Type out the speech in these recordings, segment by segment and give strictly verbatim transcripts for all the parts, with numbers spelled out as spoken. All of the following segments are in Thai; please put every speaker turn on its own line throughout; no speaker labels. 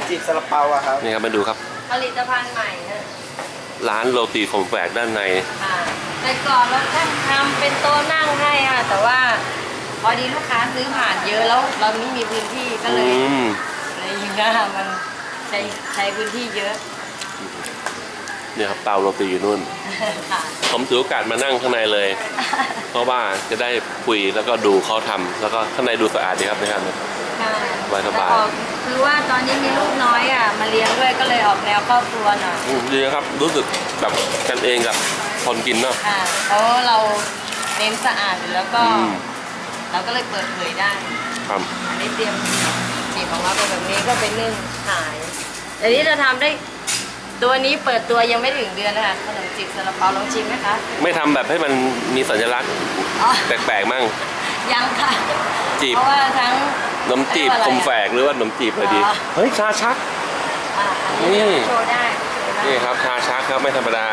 จีบซาลาเปาอะครับ
นี่ครับมาดูครับ
ผลิตภัณฑ์ใหม่นะ
ร้านโรตีขมแฝกด้านใน
แต่ก่อนเราตั้งทำเป็นโต๊ะนั่งให้ค่ะแต่ว่าพอดีลูกค้าซื้อผ่านเยอะแล้วเราไม่มีพื้นที่ก็เลยเลยยิงก็มันใช้ใช้พื้นที่เยอะ
เนี่ยครับเตาโรตีอยู่นู่นผมถือโอกาสมานั่งข้างในเลย เพราะว่าจะได้คุยแล้วก็ดูเขาทำแล้วก็ข้างในดูสะอาดดีครับนะครับสบายสบาย
คือว่าตอนนี้มีลูกน้อยอ่ะมาเลี้ยงด้วยก็เลยออกแนวครอบครัวหน่อย
ดีครับรู้สึกแบบกันเองกับคนกินเนาะ
เพราะเราเน้นสะอาดแล้วก็เราก็เลยเปิดเผยได้
ครับ
อันนี้เตรียมจีบของเราเป็นแบบนี้ก็เป็นนึ่งขายแต่นี้จะทำได้ตัวนี้เปิดตัวยังไม่ถึงเดือนนะคะขนมจีบซาลาเปาลองชิมไหมคะ
ไม่ทำแบบให้มันมีสัญลักษณ์แปลกๆมั่ง
ยังค่ะ
จีบ
เพราะว่าทั้ง
ขนมจีบคมแฝกหรือว่าขนมจีบอะไรดีเฮ้ยชาชัก
นี่โชว์ได้
นี่ครับชาชักครับไม่ธรรมดา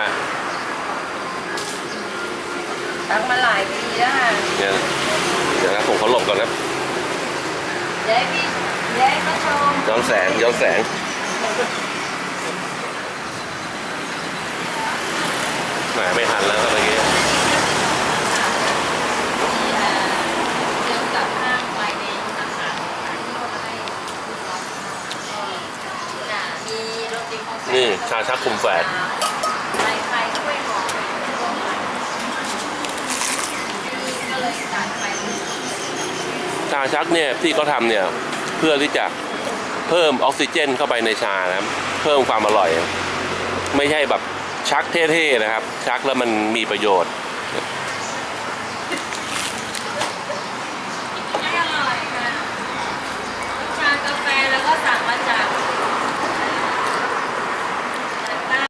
ตั้งมาหลายปีแล้วค่ะ
เนี่ยเดี๋ยวนะผมเขาหลบก่อนนะ
ย้ายพี่ย้ายมาชม
ย้อนแสงย้อนแสงแหมไม่ทันแล้วครับเมื่อกี้
เกี่ยวกับห้างไฟในอาหารที่เราให้มีโรตีของ
นี่ชาชักคุมแฝด
ไฟไฟช่วยหอมก็เลยตัดไฟ
ชาชักเนี่ยที่เขาทำเนี่ยเพื่อที่จะเพิ่มออกซิเจนเข้าไปในชานะเพิ่มความอร่อยไม่ใช่แบบชักเท่ๆนะครับชักแล้วมันมีประโยชน์
ไม่อร่อยค่ะชากาแฟแล้วก็สั่งมา